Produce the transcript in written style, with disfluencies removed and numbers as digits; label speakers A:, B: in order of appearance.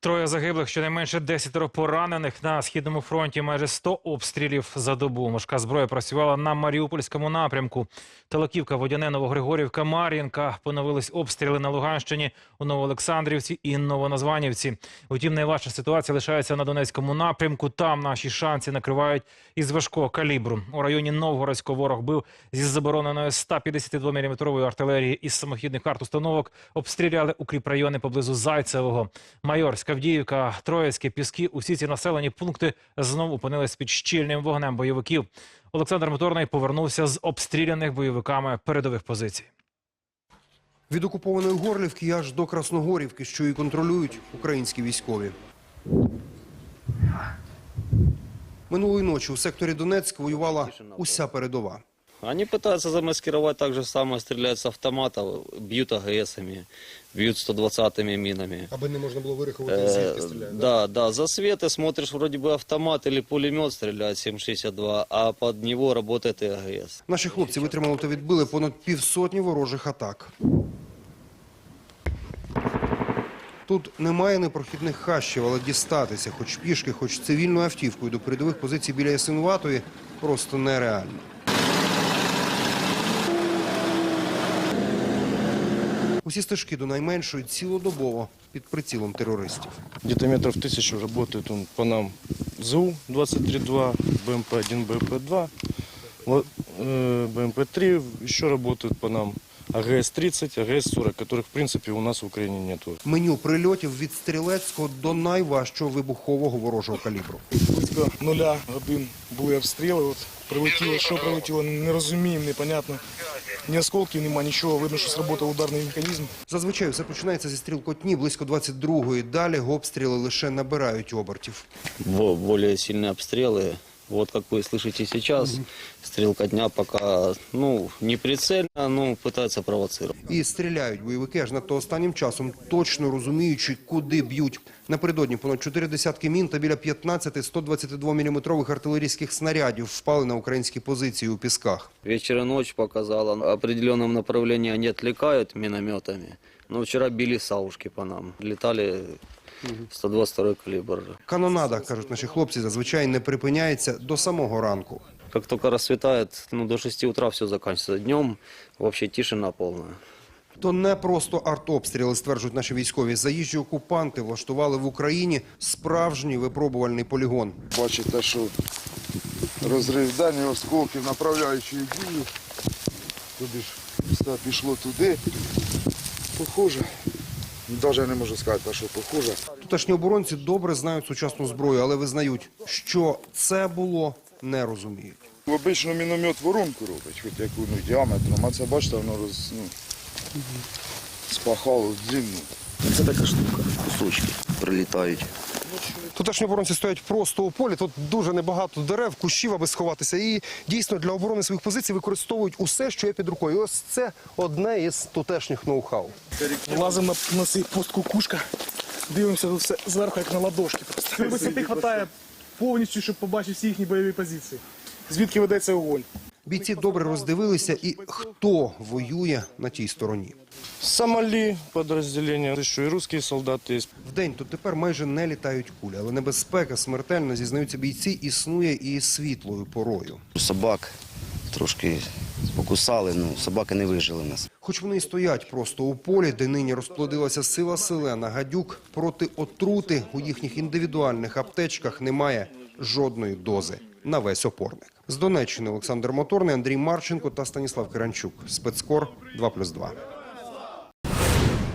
A: Троє загиблих, щонайменше 10 поранених. На Східному фронті майже 100 обстрілів за добу. Важка зброя працювала на Маріупольському напрямку. Талаківка, Водяне, Новогригорівка, Мар'їнка. Поновились обстріли на Луганщині, у Новоолександрівці і Новоназванівці. Утім, найважча ситуація лишається на Донецькому напрямку. Там наші шанси накривають із важкого калібру. У районі Новгородського ворог бив зі забороненої 152-мм артилерії із самохідних артустановок. Обстріляли укріпрайони поблизу Зайцевого. Майорська, Авдіївка, Троїцьке, Піски – усі ці населені пункти знову опинились під щільним вогнем бойовиків. Олександр Моторний повернувся з обстріляних бойовиками передових позицій.
B: Від окупованої Горлівки аж до Красногорівки, що і контролюють українські військові. Минулої ночі у секторі Донецьк воювала уся передова.
C: Они пытаются замаскировать так же самое, стреляют с автомата, бьют АГСами, бьют 120-ми минами.
B: Аби не можна було вирахувати, звідки стріляють.
C: Да, за светы смотришь, вроде бы автомат или пулемет стреляет 7,62, а под него работает и АГС.
B: Наші хлопці витримали та відбили понад півсотні ворожих атак. Тут немає непрохідних хащів, але дістатися хоч пішки, хоч цивільною автівкою до передових позицій біля Ясинуватої просто нереально. Усі стежки до найменшої цілодобово під прицілом терористів.
D: Где-то метров 1000 работает он по нам ЗУ-23-2, БМП-1, БМП-2, БМП-3, еще работают по нам АГС-30, АГС-40, которых, в принципе, у нас в Украине нету.
B: Меню прильотів від стрілецького до найважчого вибухового ворожого калібру.
E: Близько 0 годин були обстріли. От прилетіло, що прилетіло, не розуміємо, непонятно. Ні осколків нема, нічого, видно, що сработав ударний механізм.
B: Зазвичай все починається зі стрілкотні близько 22-ї. Далі обстріли лише набирають обертів.
C: Более сильные обстрелы. Вот как вы слышите сейчас, стрелкотня пока, не прицельно, но пытается провоцировать.
B: І стріляють бойовики аж надто останнім часом, точно розуміючи, куди б'ють. Напередодні понад 4 десятки мін та біля 15 122-мм артилерійських снарядів впали на українські позиції у Пісках.
C: Вечер и ночь показала, в определенном направлении они отвлекают минометами. Но вчера били саушки по нам, летали 122 калибр.
B: Канонада, кажуть наші хлопці, зазвичай не припиняється до самого ранку.
C: Как только рассветает, до 6 утра все заканчивается. Днем вообще тишина полная.
B: То не просто артобстріли, стверджують наші військові. Заїжджі окупанти влаштували в Україні справжній випробувальний полігон.
F: Бачите, що розрив дані осколків, направляючи дію. Тобі ж все пішло туди. Похоже. Навіть не можу сказати, що похоже.
B: Тутешні оборонці добре знають сучасну зброю, але визнають, що це було, не розуміють.
F: Обично міномет воронку робить, хоч яку діаметром, а це, бачите, воно спахало длинну.
G: Це така штука, кусочки прилітають.
B: Тутешні оборонці стоять просто у полі, тут дуже небагато дерев, кущів, аби сховатися. І дійсно для оборони своїх позицій використовують усе, що є під рукою. І ось це одне із тутешніх ноу-хау.
E: Лазимо на цей пост кукушка, дивимося тут все зверху, як на ладошки. Висоти вистачає повністю, щоб побачити всі їхні бойові позиції. Звідки ведеться вогонь.
B: Бійці добре роздивилися і хто воює на тій стороні.
D: Сомали подразделения, еще и русские солдаты есть.
B: Вдень тут тепер майже не літають кулі, але небезпека смертельна, зізнаються бійці, існує і світлою порою.
G: Собак трошки покусали, собаки не вижили нас.
B: Хоч вони і стоять просто у полі, де нині розплодилася сила селена, гадюк, проти отрути у їхніх індивідуальних аптечках немає жодної дози на весь опорник. З Донеччини Олександр Моторний, Андрій Марченко та Станіслав Киранчук. Спецкор 2+2.